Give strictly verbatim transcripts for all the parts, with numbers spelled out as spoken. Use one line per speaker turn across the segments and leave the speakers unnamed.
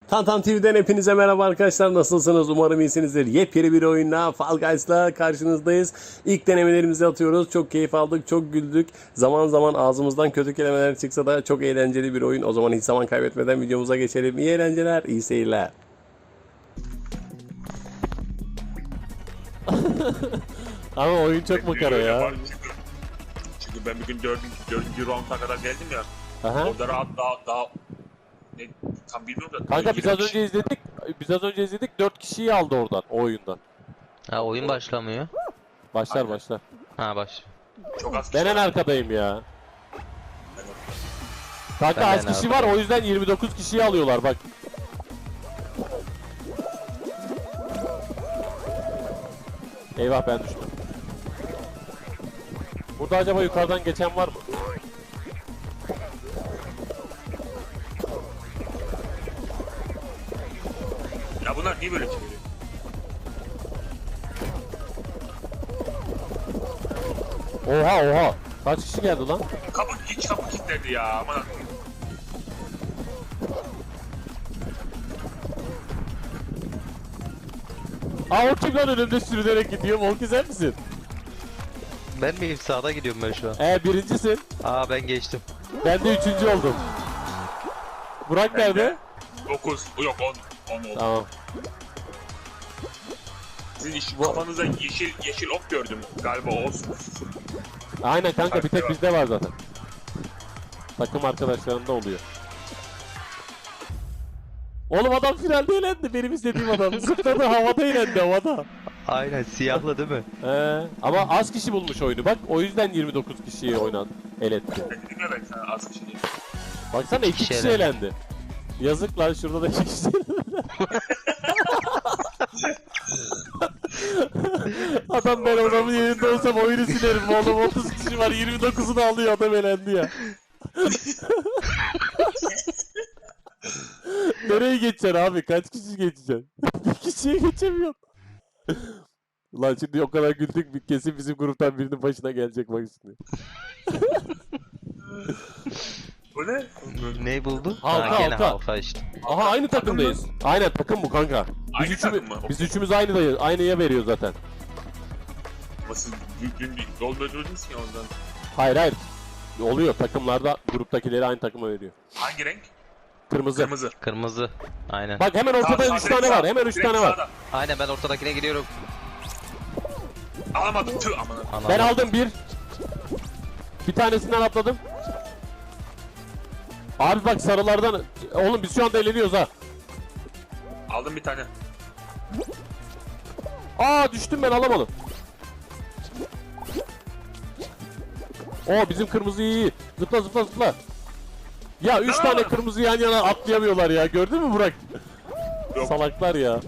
Tantan T V'den hepinize merhaba arkadaşlar, nasılsınız? Umarım iyisinizdir. Yepyeni bir oyunla Fall Guys'la karşınızdayız. İlk denemelerimizi atıyoruz. Çok keyif aldık, çok güldük. Zaman zaman ağzımızdan kötü kelimeler çıksa da çok eğlenceli bir oyun. O zaman hiç zaman kaybetmeden videomuza geçelim. İyi eğlenceler, iyi seyirler. Ama oyun çok makara ya.
Çünkü, çünkü ben bir gün dördüncü, dördüncü round'a kadar geldim ya.
Aha.
Orada rahat daha daha ne tam bilmiyorum da.
Kanka biz az önce izledik. Biz az önce izledik. dört kişiyi aldı oradan, o oyundan.
Ha oyun başlamıyor.
Başlar
Aynen.
başlar.
Ha baş.
çok az
Ben
kişi
en
var.
arkadayım ya. Kanka
Ben de
az
en
kişi var,
arkadayım.
o yüzden yirmi dokuz kişiyi alıyorlar bak. Eyvah, ben düştüm. Burada acaba yukarıdan geçen var mı?
Ya bunlar niye böyle çeviriyor?
Oha oha. Kaç kişi geldi lan?
Kapı hiç kapı kilitledi ya aman.
Aa, o kim lan önümde sürünerek gidiyor? Volki sen misin?
Ben miyim? Sağda gidiyorum ben şu an.
Ee birincisin.
Aa ben geçtim.
Ben de üçüncü oldum. Burak nerede?
dokuz yok on on oldu.
Tamam.
Sizin iş, kafanıza yeşil yeşil ok gördüm galiba o olsun.
Aynen kanka, bir tek bizde var zaten. Takım arkadaşlarında oluyor. Oğlum adam finalde eğlendi, benim istediğim adam. Zıpladı, havada eğlendi, havada.
Aynen siyahlı değil mi?
Ee, ama az kişi bulmuş oyunu bak, o yüzden yirmi dokuz kişiyi oynadı, eletti.
Ben dedim ya ben sana az kişi değil.
Baksana iki
kişi
kişi
elendi.
elendi. Yazık lan, şurada da iki kişi elendi. Adam, ben adamın yerinde olsam oyunu silerim oğlum, otuz kişi var, yirmi dokuzunu alıyor, adam elendi ya. Nereye geçeceksin abi, kaç kişi geçeceksin? Bir kişiye geçemiyorsun. Ulan şimdi o kadar güldük, bir kesin bizim gruptan birinin başına gelecek bak şimdi.
Bu ne?
Ne buldun?
Halka,
ha, gene
halka.
halka işte.
Aha, aynı takımdayız. Aynen, takım bu kanka. Biz
Aynı
üçümüz,
takım mı?
biz üçümüz aynıdayız. Aynıya veriyor zaten.
Ama siz dün, dün bir yol öldürdünüz ya ondan.
Hayır hayır. Oluyor, takımlarda gruptakileri aynı takıma veriyor.
Hangi renk?
Kırmızı.
Kırmızı.
Kırmızı. Aynen.
Bak hemen ortada
Sağ-
üç
sağ-
tane
direkt
var.
sağ-
Hemen üç
direkt
tane var.
sağda.
Aynen ben ortadakine gidiyorum.
Alamadım tüh aman.
Ana.
Ben aldım bir. Bir tanesinden atladım. Abi bak sarılardan. Oğlum biz şu anda eğleniyoruz ha.
Aldım bir tane.
Aa, düştüm, ben alamadım. Oo, bizim kırmızı iyi. Zıpla zıpla zıpla. Ya üç
Aa!
tane kırmızı yan yana atlayamıyorlar ya. Gördün mü Burak?
Yok.
Salaklar ya.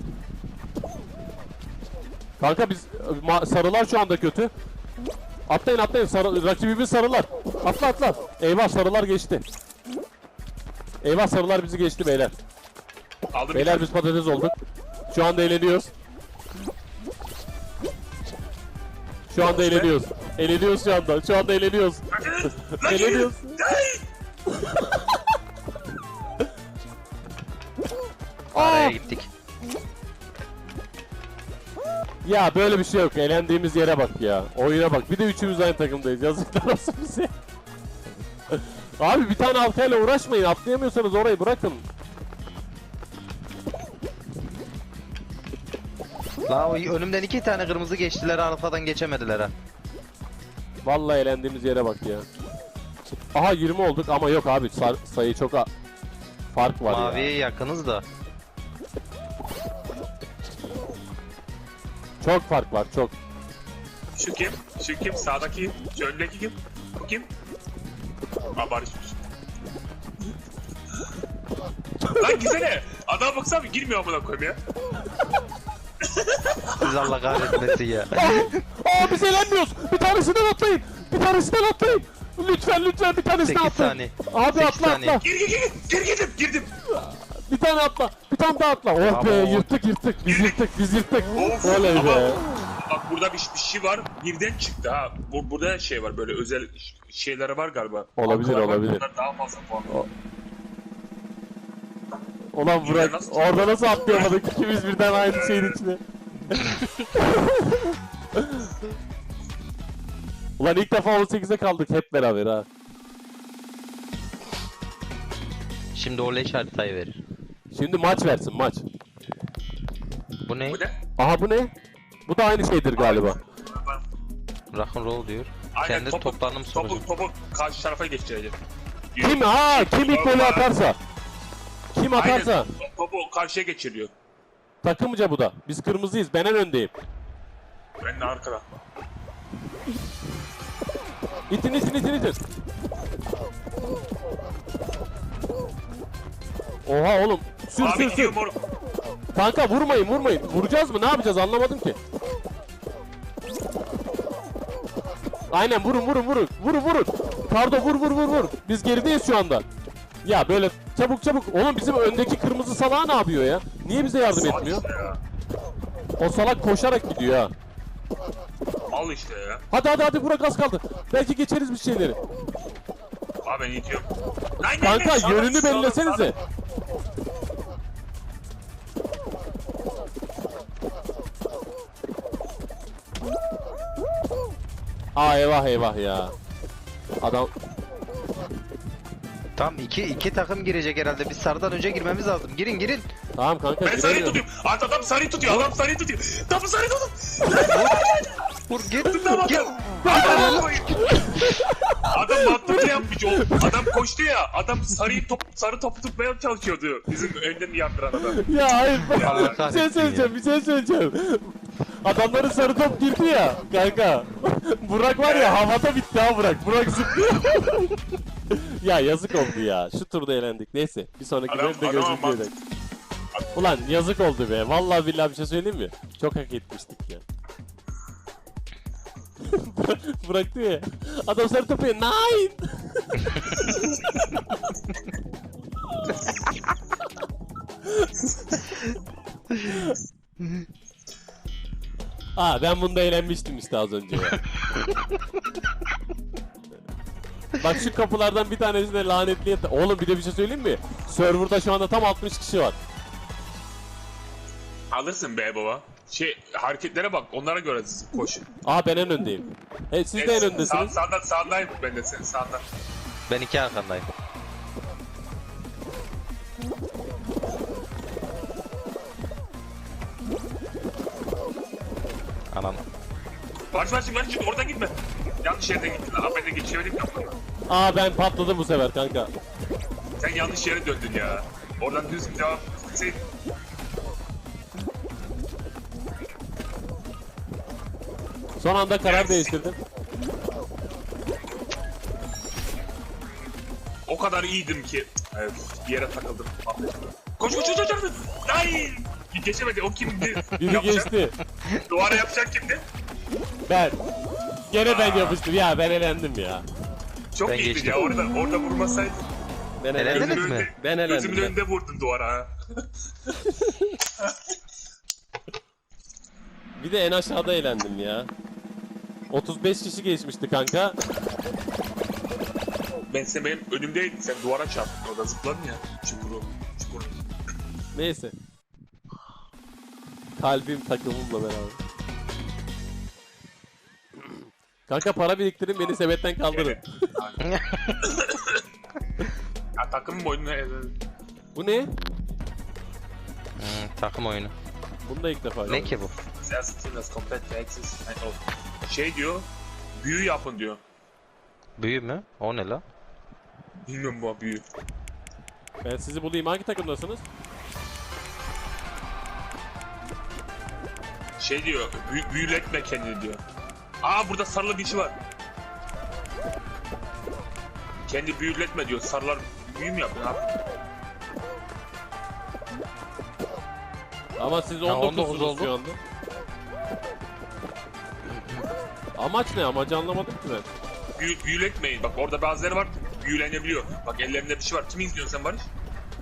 Kanka biz ma- sarılar şu anda kötü. Atlayın atlayın, sarı, rakibimiz sarılar. Atla atla. Eyvah, sarılar geçti. Eyvah, sarılar bizi geçti beyler.
Aldım bir
Beyler
tane.
biz patates olduk. Şu anda eğleniyoruz. Şu anda eğleniyoruz. Eğleniyoruz şu anda. Şu anda eğleniyoruz.
Lan gelin.
Eğleniyoruz.
Araya
Aa!
gittik.
Ya böyle bir şey yok. Eğlendiğimiz yere bak ya. Oyuna bak. Bir de üçümüz aynı takımdayız. Yazıklar olsun bize. Abi bir tane halkayla uğraşmayın. Atlayamıyorsanız orayı bırakın.
La o önümden iki tane kırmızı geçtiler, arkadan geçemediler ha.
Vallahi eğlendiğimiz yere bak ya. Aha, yirmi olduk ama yok abi, sar- sayı çok a- fark var
Maviye
ya.
yakınız da.
Çok fark var, çok.
Şu kim? Şu kim? Sağdaki, şu öndeki kim? Bu kim? Aa barışmış. Lan gitsene. Adama baksana girmiyor amına koyayım ya.
Siz Allah kahretmesin ya.
Aa, biz eğlenmiyoruz. Bir tanesinden atlayın. Bir tanesinden atlayın. Lütfen lütfen bir tanesinden
sekiz
atlayın.
saniye.
Abi
sekiz
atla
saniye.
atla.
Gir gir gir. Gir girdim girdim.
Bir tane atla. Bir tane daha atla. Oh
Bravo.
be, yırttık yırttık. Biz yırttık biz yırttık.
Of,
Oley
ama-
be.
Bak burada bir, bir şey var. Birden çıktı ha. Bu, burada şey var böyle özel ş- şeyleri var galiba.
Olabilir,
Halkalar var,
olabilir.
bunlar daha fazla puan.
O- Ulan Burak
nasıl-
orada nasıl atlayamadık ikimiz birden aynı şeyin içine. Ulan ilk defa on sekize kaldık hep beraber ha.
Şimdi o leş haritayı verir.
Şimdi maç versin maç.
Bu ne?
Bu ne?
Aha bu ne? Bu da aynı şeydir galiba.
Rock'n'roll diyor.
Aynen,
Kendi
topu-
toplanım sonucu.
Topu, topu karşı tarafa geçirecek.
Kim ha kim ilk golü atarsa. Kim atarsa.
Aynen, topu karşıya geçiriyor.
Takımca bu da. Biz kırmızıyız. Ben en öndeyim.
Ben de arkada.
İtin itin itin itin. Oha oğlum. Sür
Abi
sür
gidiyor
sür.
moruk.
Kanka vurmayın vurmayın. Vuracağız mı? Ne yapacağız? Anlamadım ki. Aynen vurun vurun vurun. Vurun vurun. Kardo vur vur vur vur. Biz gerideyiz şu anda. Ya böyle çabuk çabuk. Oğlum bizim öndeki kırmızı salağı ne yapıyor ya? Niye bize yardım
Al
etmiyor?
işte ya.
O salak koşarak gidiyor ha.
Al işte ya.
Hadi hadi hadi Burak az kaldı. Belki geçeriz bir şeyleri.
Abi ben itiyorum. Lan, lan, lan,
Kanka
sağdan,
yönünü
sağdan,
belirlesenize.
sağdan.
Aa eyvah eyvah ya. Adam
Tam iki iki takım girecek herhalde. Biz sarıdan önce girmemiz lazım. Girin girin.
tamam kanka
Ben sarıyı
giremiyor.
tutuyorum. Adam, adam sarıyı tutuyor. Adam sarıyı tutuyor. Topu sarıyı tutuyor.
Vur gir.
Tamam.
Gir.
Adam, adam mantıklı yapmış. O adam koştu ya. Adam sarıyı top, sarı topu tutmaya çalışıyordu. Bizim önden yandıran adam.
Ya hayır.
Allah
bir şey
kahretsin
söyleyeceğim, bir şey söyleyeceğim. Adamların sarı top girdi ya kanka. Burak var ya havada bitti ha Burak. Burak zıplıyor. Ya yazık oldu ya. Şu turda eğlendik. Neyse bir sonraki
Adam-
bölümde
adam
görüşmek
ama-
üzere. Ulan yazık oldu be. Vallahi billahi bir şey söyleyeyim mi? Çok hak etmiştik ya. Burak- Burak diyor ya. Adam sarı topu ya. Nine. Aa ben bunda eğlenmiştim işte az önce ya. Bak şu kapılardan bir tanesinde lanetli yat- Oğlum bir de bir şey söyleyeyim mi? Serverda şu anda tam altmış kişi var.
Alırsın be baba. Şey hareketlere bak. Onlara göre koş.
Aa ben en öndeyim. Evet siz de en
Sağ,
öndesiniz.
sağdan sağdayım ben de senin sağdan.
Ben iki arkandayım. Anam.
Baş baş baş çık oradan gitme. Yanlış yerden gittin. Abi ben de geçemedim ya.
Aa ben patladım bu sefer kanka.
Sen yanlış yere döndün ya. Oradan düz bir devam etseydin.
Son anda karar değiştirdim.
O kadar iyiydim ki. Evet, bir yere takıldım. Koş koş koş koş koş. Ay! Geçemedi. O kimdi?
Biri
Yapacak-
geçti.
Duvara yapacak kimdi?
Ben. Gene ben yapıştım. Ya ben elendim ya.
Çok
Ben
iyiydin
geçtim.
ya. Orada orada vurmasaydın.
Ben
Elendiniz
elendim.
mi?
önünde,
Ben elendim.
gözümün
ben.
önünde vurdun duvara ha.
Bir de en aşağıda eğlendim ya. otuz beş kişi geçmişti kanka.
Ben sen benim önümdeydin. Sen duvara çarptın. Orada zıpladın ya. Çukuru. Çukuru.
Neyse. Kalbim takımımla beraber. Kanka para biriktirin beni sebetten kaldırın.
Evet. Aynen. Ya takımın boynuna
Bu ne?
Hmm, takım oyunu.
Bunu da ilk defa
Ne
gördüm.
ki bu?
Self-Teamless Complete Access. Şey diyor. Büyü yapın diyor.
Büyü mü? O ne la?
Bilmiyorum bu büyü.
Ben sizi bulayım. Hangi takımdasınız?
Şey diyor. Büyü, büyületme kendini diyor. Aa burada sarılı bir şey var. Kendi büyületme diyor. Sarılar büyü mü yapıyor abi?
Ama siz
Ya,
on
on dokuz
dokuzsunuz şu
oldu.
anda. Amaç ne? Amacı anlamadım ki ben.
Büyü, büyületmeyin. Bak orada bazıları var. Büyülenebiliyor. Bak ellerinde bir şey var. Kimi izliyorsun sen Barış?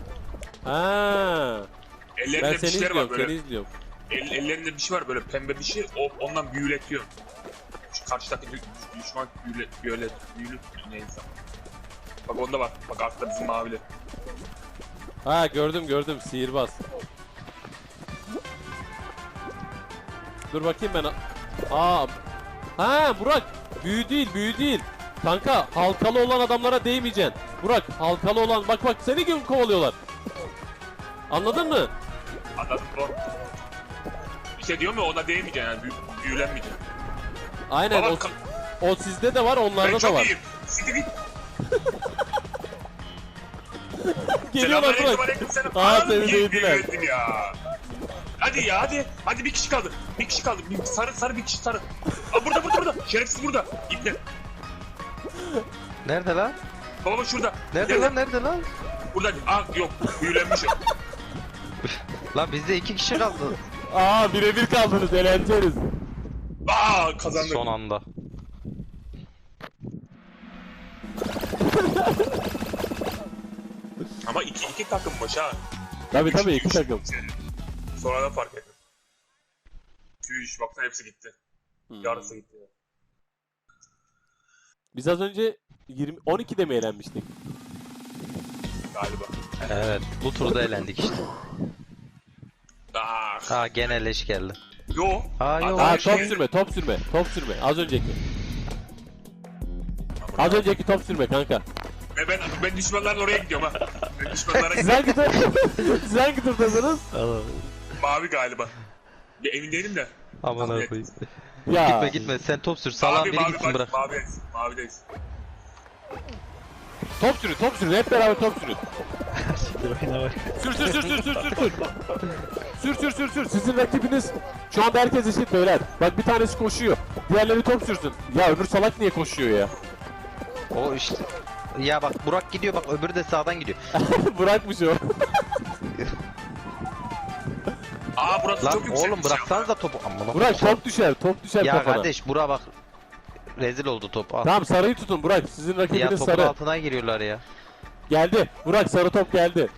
Ha.
Ellerinde
Ben
bir
seni
şeyler var
izliyorum,
böyle.
seni izliyorum.
El, ellerinde bir şey var böyle pembe bir şey. O ondan büyületiyor. Şu karşıdaki dü- düşman büyüle, büyüle, büyülü neyse. Bak onda var. Bak arkada bizim mavili.
Ha gördüm gördüm sihirbaz. Dur bakayım ben. Aa. Ha Burak. Büyü değil büyü değil. Kanka halkalı olan adamlara değmeyeceksin. Burak halkalı olan bak bak seni gibi kovalıyorlar. Anladın mı?
Anladım bro. Bir şey diyor mu ona değmeyeceksin yani büyü, büyülenmeyeceksin.
Aynen
Baba,
o,
ka-
o sizde de var
ben
onlarda da
çok
var.
iyiyim. Siktir git.
Geliyorlar
Selamünaleyküm,
Burak.
aleykümselam.
Aa
Anam,
seni
iyi
değdiler.
büyüledin ya. Hadi ya hadi. Hadi bir kişi kaldı. Bir kişi kaldı. Bir, sarı sarı bir kişi sarı. Aa, burada burada burada. Şerefsiz burada. İpne.
Nerede lan?
Baba şurada.
Nerede
Gel
lan nerede lan?
Burada. Aa yok. Büyülenmiş o.
Lan bizde iki kişi kaldı.
Aa birebir kaldınız eğlenceniz.
Aa kazandık.
Son anda.
Ama iki, iki takım baş ha.
Tabii
Üç,
tabii iki
üç.
takım.
Sonradan fark ettim. Üç baksana hepsi gitti.
Hmm.
Yarısı gitti.
Biz az önce yirmi on ikide mi eğlenmiştik?
Galiba.
Evet bu turda eğlendik işte.
Aa,
Ha gene leş geldi.
yo.
Aa, yo.
Adam
Aa
şey-
top sürme top sürme top sürme az önceki. Az önceki top sürme kanka.
Ve ben, ben düşmanların oraya gidiyorum ha. Ben düşmanlara
Siz
gidiyorum.
hangi tur siz hangi turdasınız?
Mavi galiba. Bir emin değilim de.
Aman
Tahmin
koyayım.
Ya.
Gitme gitme sen top sür. Salağın
Mavi
biri
mavi
gitsin
bak.
bırak.
Mavideyiz. Mavideyiz.
Top sürün top sürün hep beraber top sürün. Sür sür sür sür sür sür sür. Sür sür sür sür. Sizin rakibiniz şu anda herkes eşit beyler. Bak bir tanesi koşuyor. Diğerleri top sürsün. Ya öbür salak niye koşuyor ya?
O işte. Ya bak Burak gidiyor bak öbürü de sağdan gidiyor.
Bırakmış o.
Aa burası
Lan
çok yüksek.
oğlum bıraksanız da topu. Aman
Burak top düşer top düşer
Ya
kafana.
kardeş Burak bak. Rezil oldu top. Al.
Tamam sarıyı tutun Burak. Sizin
Ya
rakibiniz
topun
sarı.
altına giriyorlar ya.
Geldi. Burak sarı top geldi.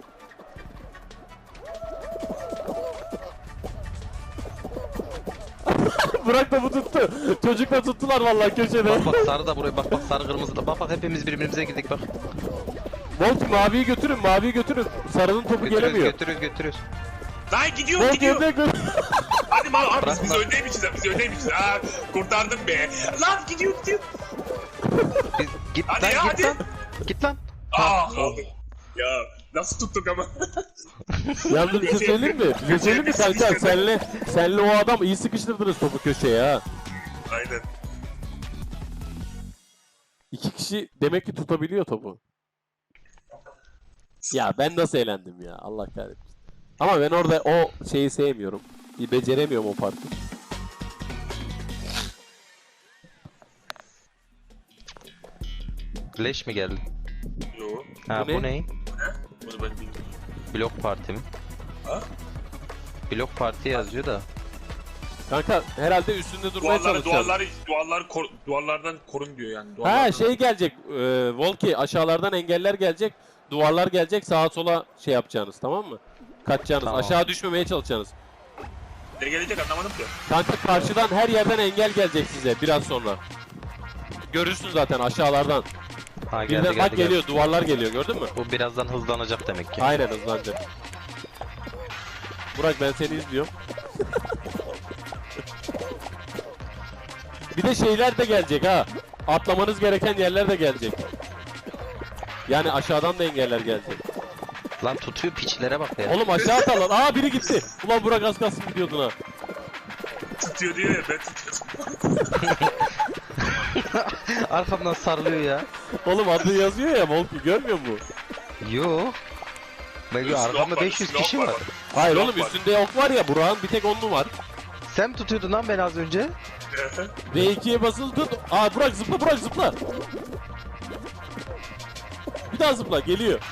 Burak da bu tuttu. Çocukla tuttular vallahi köşede.
Bak bak sarı da buraya bak bak sarı kırmızı da bak bak hepimiz birbirimize girdik bak.
Monty maviyi götürün maviyi götürün. Sarının topu
Götürüyoruz
gelemiyor.
götürüyoruz götürüyoruz.
Lan gidiyor
Monty
gidiyor.
önüne gö-
Hadi mal abi biz,
Bırak
biz
lan.
öndeymişiz ha. Biz öndeymişiz. Aa kurtardım be. Lan gidiyor gidiyor.
Biz, git
Hadi
lan
ya,
git
hadi.
lan. Git lan.
Aa kaldı. Ya nasıl tuttuk ama.
Yalnız bir şey söyleyeyim mi? Bir şey söyleyeyim mi kanka? Senle, senle o adam iyi sıkıştırdınız topu köşeye ha.
Aynen.
İki kişi demek ki tutabiliyor topu. Ya ben nasıl eğlendim ya Allah kahretsin. Ama ben orada o şeyi sevmiyorum. Bir beceremiyorum o parkı.
Leş mi geldi?
Yo.
Ha
Bu
bu,
ne?
ne?
Bunu ben bilmiyorum.
Blok parti mi?
Ha?
Blok parti yazıyor da.
Kanka herhalde üstünde durmaya
Duvarları,
çalışacağız.
duvarları, duvarları kor, duvarlardan korun diyor yani. Duvarlardan.
Ha şey gelecek. E, Volki aşağılardan engeller gelecek. Duvarlar gelecek sağa sola şey yapacağınız tamam mı? Kaçacağınız.
Tamam.
Aşağı düşmemeye çalışacaksınız.
Ne gelecek anlamadım ki.
Kanka karşıdan her yerden engel gelecek size biraz sonra. Görürsün zaten aşağılardan.
Ha geldi
Birden
geldi,
bak
geldi.
geliyor duvarlar geliyor gördün mü?
Bu birazdan hızlanacak demek ki.
Aynen hızlanacak. Burak ben seni izliyorum. Bir de şeyler de gelecek ha. Atlamanız gereken yerler de gelecek. Yani aşağıdan da engeller gelecek.
Lan tutuyor piçlere bak ya.
Oğlum aşağı atalım. Aa biri gitti. Ulan Burak az kalsın gidiyordun ha.
Tutuyor diyor ya ben tutuyorum.
Arkamdan sarılıyor ya.
Oğlum adı yazıyor ya Volki görmüyor musun?
Yo. Ben
Silah
arkamda
var,
beş yüz
silah
kişi
var.
var.
Hayır
Silah
oğlum
var.
üstünde ok var ya Burak'ın bir tek onlu var.
Sen mi tutuyordun lan beni az önce?
V ikiye basılı tut. Aa Burak zıpla Burak zıpla. Bir daha zıpla geliyor.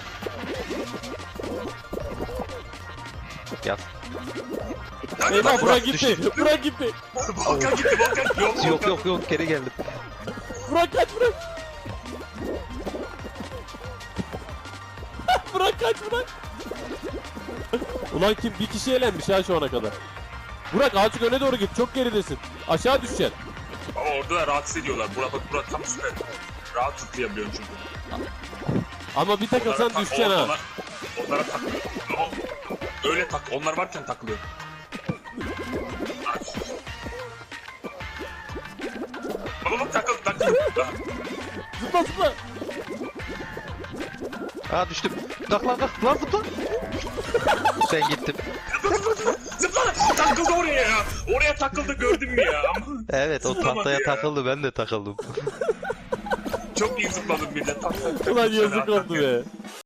Yaz.
Eyvah Burak gitti. Burak gitti.
Volkan gitti Volkan. Yok
Yok
Volkan.
yok yok geri geldim.
Burak kaç Burak. Burak kaç Burak. Ulan kim bir kişi eğlenmiş ha şu ana kadar. Burak azıcık öne doğru git çok geridesin. Aşağı düşeceksin.
Ama orada da rahatsız ediyorlar. Burak bak Burak tam süper. Rahat tutlayabiliyorum çünkü.
Ama bir takılsan
Onlara-
düşeceksin ha.
ortalar- Onlara takılıyor. O- Öyle tak. Onlar varken takılıyor. Baba bak takıl takıl.
Zıpla zıpla.
Aa düştüm. Kalk lan kalk lan zıpla. Ben gittim.
Zıpla takıldı oraya ya. Oraya takıldı gördün mü ya?
Evet o
Zıplamadı
tahtaya
ya.
takıldı ben de takıldım.
Çok iyi zıpladım bir de. Tak, tak, tak.
Ulan
Şöyle
yazık
atak
oldu
ya.
be.